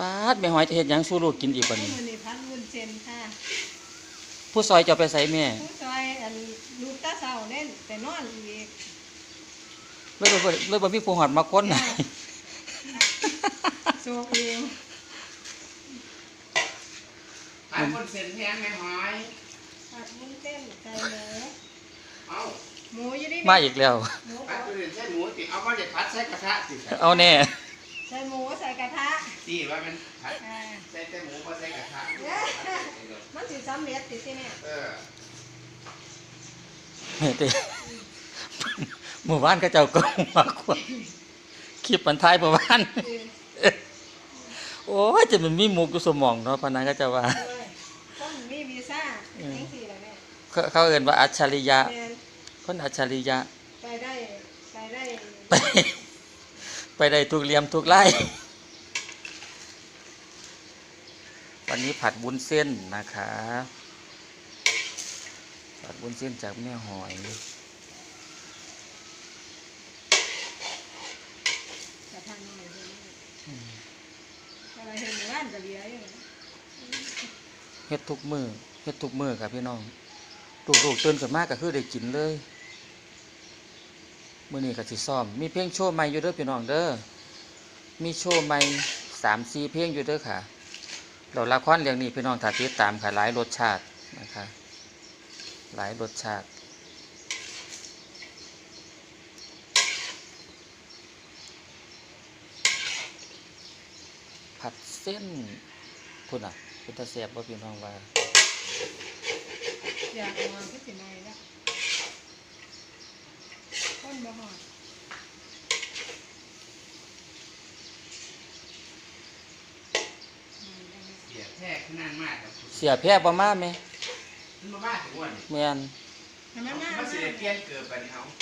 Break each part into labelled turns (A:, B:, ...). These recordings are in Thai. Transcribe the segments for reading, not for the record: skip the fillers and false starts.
A: ป๊าดแม่หอยจะเฮ็ดหยังสู่ลูกกินอีกบัดนี้
B: มื้อนี้พักวุ้นเส้นค่ะ
A: ผู้ซอยจะเอาไปใส่แม่
B: ผู้ซอยอันลูกตาเศร้าเล่นแต่นอนอีก
A: เลยบ่มีผู้หอดมาคนน่ะ
B: โซกเอง
C: ผัดวุ้นเส้นแห้งแม่หอย
B: ผัดวุ้นเส้นใส่หมู
C: เอา
B: หมูอยู่นี่
A: มาอีกแล้ว
B: หมู
C: ผัดวุ้นเส้นใส่หมูติเอามาเด็ดผัดใส่กระทะสิ
A: เอาแน่
B: ใส่หมูใส่กระทะ
C: ที่ว่ามันผัด
B: อ่า
C: ใส่แต่หมูก็ใส่กระทะ
B: มันสิสำเร็จติที่เนี่ย
C: เออ
A: แม่เต้หมู่บ้านก็เจ้าก็มาควคลิปมันท้ายหมู่บ้าน โอ้ยจะมันมีมุกอยู่สมองเนาะพนันก็จะว่า
B: คนมีวีซ่าจังซี่ล่ะแม่
A: เขาเอิ้นว่าอัจฉริยะ
B: แม่น
A: คนอัจฉริยะ
B: ไปได้
A: ไปได้ทุกเหลี่ยมทุกไล่วันนี้ผัดวุ้นเส้นนะคะผัดวุ้นเส้นจากแม่หอย
B: กระทะน้อยเด้ออะไรเห็นร้านก็เหลืออยู่
A: เฮ็ดทุกมือเฮ็ดทุกมือครับพี่น้องลูกๆตื่นขึ้นมาก็คือได้กินเลยมื้อนี้ก็สิซ้อมมีเพลงโชว์ใหม่อยู่เด้อพี่น้องเด้อมีโชว์ใหม่ 3-4 เพลงอยู่เด้อค่ะแล้วละครเรื่องนี้พี่น้องถ้าติดตามค่ะหลายรสชาตินะคะหลายรสชาติผัดเส้นพุ่นอ่ะเป็นตาแซ่บบ่พี่น้องว่า
B: อยากนอนก็สิน้อยแล้วคนบ่ฮอด
C: เสียแท้ขนาดมากครับ
A: เสียแพ้บ่มาแม่
C: มันมาบ้าถึงวัน
A: แม่น
B: ให้มันมา
C: มันเสียเปลี่ยนเกิดไปนี่เอา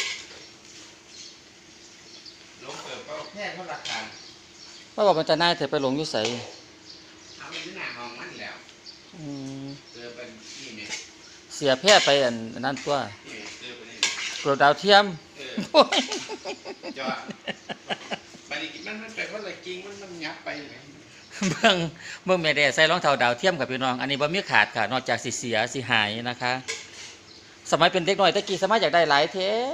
C: ลงเกิดก็แท้เท่าราคา
A: ว่าบอกมันจะน่ายแต่ไปหลงอยู่ไส
C: เอาไปที่หน้าห้องมันแล้ว
A: อืม
C: เกิดเป็นที่เนี่ย
A: เสียแพ้ไปอันนั้นตัว
C: ที่เกิดเป็นนี่
A: โปรดดาวเทียม
C: เออจอดไปนี่มันเป็นว่าอะไรจริงมันยับไปเลย
A: เบิ่งแม่แด่ใส่รองเท้าดาวเทียมกับพี่น้อง อันนี้บ่มีขาดค่ะนอกจากสิเสียสิหายนะคะ สมัยเป็นเด็กน้อยตะกี้สมัยอยากได้หลายแท้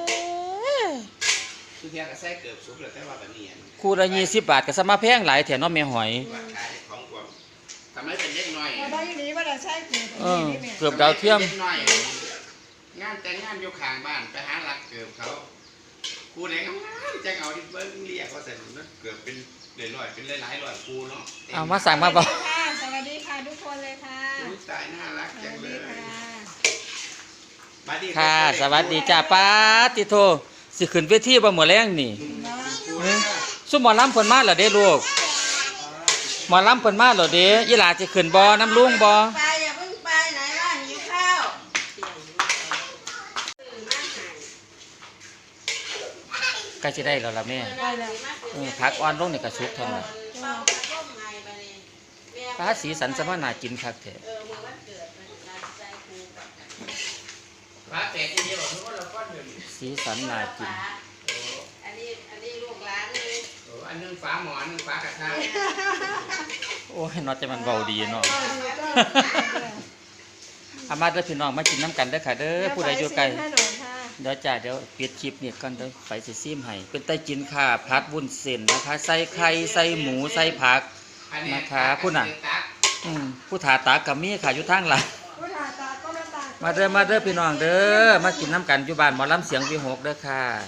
C: คือเทียนกับไส้เกิดสุกเลยแต่ว่าแบบนี้
A: คู่ละ20 บาทก็สมาแพงหลายแถเนาะแม่หอย
C: ว่าขายของกว่าทำไมเป็นเล็กน้อย
B: บ่ได้อยู่นี่บ่ได้ใช้เกิด
A: เออ
B: นี่แม่
A: เกือบดาวเทียม
C: เล็กน้อยงานแต่งงานอยู่ข้างบ้านไปหาหลักเกือบเขาครูเด็กงามจะเอาที่เบิ้งเรียกเขาใส่หนุนเกือบเป็นร้อยเป็นหลายร้อยครูเนาะ
A: เอามาสั่งมาบ่
B: สวัสดีค่ะทุกคนเลยค่ะ
C: อุ๊ยตายน่ารัก
B: ส
C: จั
B: วั
C: ง
B: ส
C: เล
B: ดี
C: ย
B: ค่ะ
C: มาดิ
A: ค่ะ สวัสดีจ้าป้าติโทสิขึ้นเวทีบ่มื้อแรงนี่ซุมหมอลำเพิ่นมาแล้วเด้ลูกหมอลำเพิ่นมาแล้วเด้อีหลาสิขึ้นบ่น้ำลุงบ่
B: ไปอย่าเพิ่งไปไหนล่ะหิวข้าว
A: ใกล้สิได้แล้วล่ะแม่
B: ไปแล้ว
A: ผักอ่อนลงนี่ก็สุกเท่านั้นปลาสีสันสมาน่ากินคักแท้
C: พระแต่ที่เดียวทุกคนเราก้อนหนึ่ง
A: สีสันน่ากิน
D: อันนี้ลูกหลานเลย
C: อันนึงฝาหมอนนึงฝากระทะ
A: โอ้ยเนาะแต่มันเบาดีเนาะอามาเด้อพี่น้องมากินน้ำกันเด้อค่ะเด้อผู้ใดอยู่ไกล
B: ให้หน่อยค่ะ
A: เดี๋ยวจ้าเดี๋ยวปิดคลิปนี่ก่อนเด้อไปสิซิมให้เป็นไต้กินค่ะผัดวุ้นเส้นนะคะ ใส่ไข่ใส่หมูใส่ผัก นะคะผู้น่ะ ผู้ถาตากกับมีค่ะอยู่ทางหลัง
B: ผู้ถ่ายตาก็น้ำตา
A: มาเด้อพี่น้องเด้อมากินน้ำกันอยู่บ้านหมอลำเสียงวีหกเด้อค่ะ